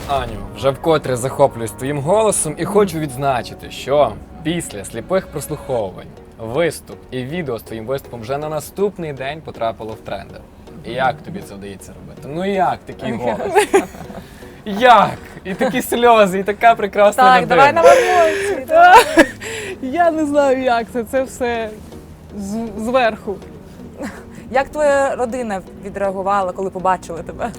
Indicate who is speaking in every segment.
Speaker 1: Аню, вже вкотре захоплююсь твоїм голосом і хочу відзначити, що після сліпих прослуховувань виступ і відео з твоїм виступом вже на наступний день потрапило в тренди. І як тобі це вдається робити? Ну як такий голос? Як? І такі сльози, і така прекрасна
Speaker 2: Так,
Speaker 1: людина.
Speaker 2: давай на емоції.
Speaker 3: Я не знаю, як це все зверху.
Speaker 2: Як твоя родина відреагувала, коли побачили тебе?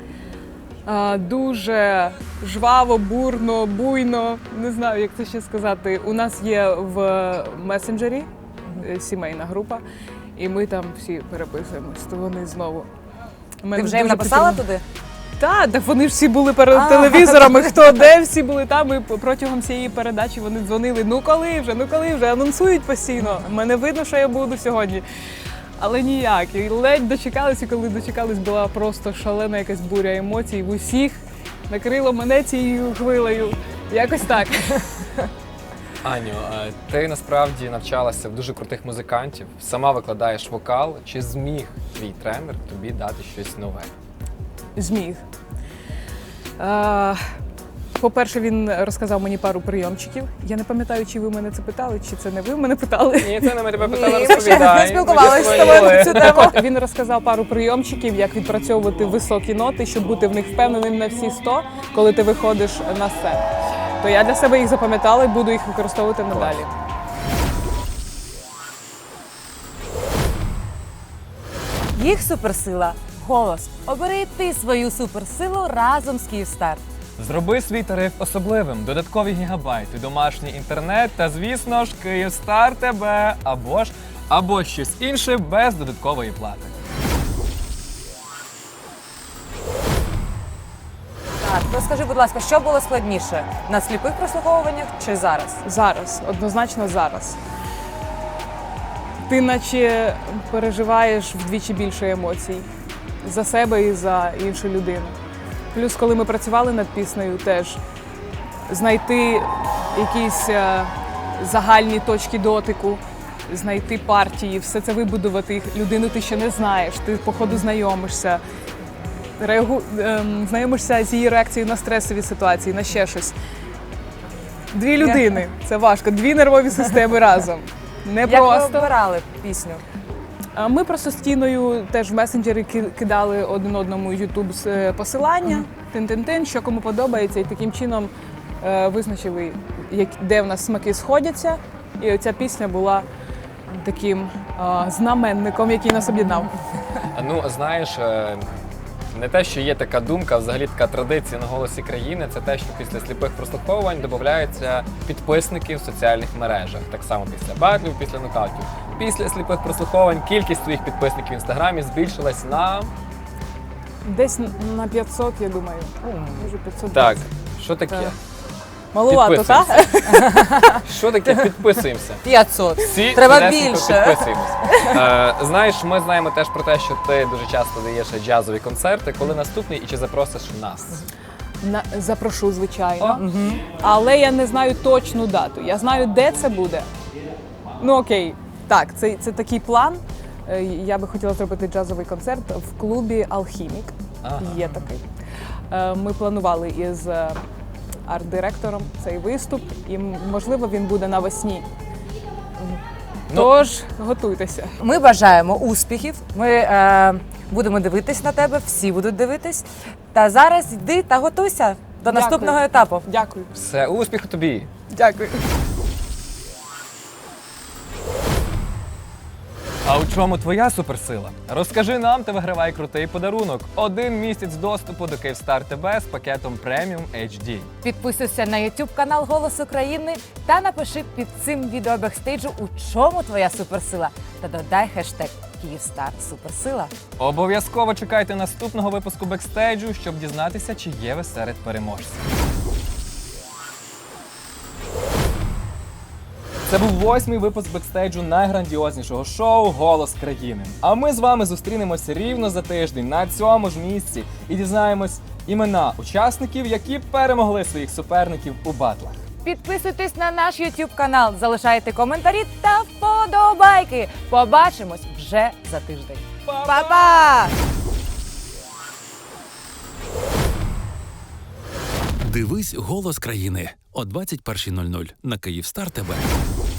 Speaker 3: Дуже жваво, бурно, буйно. Не знаю, як це ще сказати. У нас є в месенджері сімейна група, і ми там всі переписуємось, то вони знову.
Speaker 2: Ти вже їм написала туди?
Speaker 3: Так, вони ж всі були перед телевізорами, хто де, всі були там, і протягом цієї передачі вони дзвонили, ну коли вже, анонсують постійно, мене видно, що я буду сьогодні. Але ніяк, і ледь дочекалися, коли дочекались, була просто шалена якась буря емоцій, в усіх накрило мене цією хвилею, якось так.
Speaker 1: Аню, ти насправді навчалася в дуже крутих музикантів, сама викладаєш вокал. Чи зміг твій тренер тобі дати щось нове?
Speaker 3: Зміг. По-перше, він розказав мені пару прийомчиків. Я не пам'ятаю, чи ви мене це питали, чи це не ви мене питали.
Speaker 1: Ні, це не ми тебе питали,
Speaker 2: Ні, ми ще не спілкувалися з тобою на цю тему.
Speaker 3: Він розказав пару прийомчиків, як відпрацьовувати високі ноти, щоб бути в них впевненим на всі 100, коли ти виходиш на сцену. То я для себе їх запам'ятала і буду їх використовувати надалі.
Speaker 2: Їх суперсила – голос. Обери ти свою суперсилу разом з Київстар.
Speaker 1: Зроби свій тариф особливим, додаткові гігабайти, домашній інтернет та, звісно ж, Київстар тебе або щось інше без додаткової плати.
Speaker 2: Так, розкажи, будь ласка, що було складніше – на сліпих прослуховуваннях чи зараз?
Speaker 3: Зараз, однозначно зараз. Ти наче переживаєш вдвічі більше емоцій за себе і за іншу людину. Плюс, коли ми працювали над піснею, теж знайти якісь загальні точки дотику, знайти партії, все це вибудувати. Людину ти ще не знаєш, ти по ходу знайомишся, знайомишся з її реакцією на стресові ситуації, на ще щось. Дві людини – це важко, дві нервові системи разом. Не
Speaker 2: Як
Speaker 3: просто.
Speaker 2: ви обирали пісню?
Speaker 3: Ми просто з Тіною теж в месенджері кидали один одному YouTube посилання, тин-тин-тин, що кому подобається, і таким чином визначили, де в нас смаки сходяться. І оця пісня була таким знаменником, який нас об'єднав.
Speaker 1: Ну, знаєш, не те, що є така думка, а взагалі така традиція на «Голосі країни» – це те, що після сліпих прослуховувань додаються підписники в соціальних мережах. Так само після батлів, після нокаутів. Після сліпих прослуховувань кількість твоїх підписників в Інстаграмі збільшилась на…
Speaker 3: Десь на 500, я думаю. Може 500.
Speaker 1: Так, що таке?
Speaker 3: Малувато, так?
Speaker 1: Що таке підписуємося?
Speaker 2: 500.
Speaker 1: Всі
Speaker 2: Треба
Speaker 1: швидесенько
Speaker 2: більше.
Speaker 1: підписуємось. Знаєш, ми знаємо теж про те, що ти дуже часто даєш джазові концерти. Коли наступний і чи запросиш нас?
Speaker 3: Запрошу, звичайно. Але я не знаю точну дату. Я знаю, де це буде. Ну окей, так, це такий план. Я би хотіла зробити джазовий концерт в клубі «Алхімік».
Speaker 1: Ага.
Speaker 3: Є такий. Ми планували із арт-директором цей виступ, і, можливо, він буде навесні. Тож, готуйтеся.
Speaker 2: Ми бажаємо успіхів, ми будемо дивитись на тебе, всі будуть дивитись. Та зараз йди та готуйся до наступного етапу.
Speaker 3: Дякую.
Speaker 1: Все, успіху тобі!
Speaker 3: Дякую.
Speaker 1: А у чому твоя суперсила? Розкажи нам та вигравай крутий подарунок. 1 місяць доступу до Київстар ТБ з пакетом Premium HD.
Speaker 2: Підписуйся на YouTube канал «Голос України» та напиши під цим відео бекстейджу, у чому твоя суперсила. Та додай хештег «Київстар Суперсила».
Speaker 1: Обов'язково чекайте наступного випуску бекстейджу, щоб дізнатися, чи є ви серед переможців. Це був 8-й випуск бекстейджу найграндіознішого шоу «Голос країни». А ми з вами зустрінемося рівно за тиждень на цьому ж місці і дізнаємось імена учасників, які перемогли своїх суперників у батлах.
Speaker 2: Підписуйтесь на наш YouTube канал, залишайте коментарі та вподобайки. Побачимось вже за тиждень. Па-па!
Speaker 4: Дивись «Голос країни» о 21:00 на Київстар ТВ.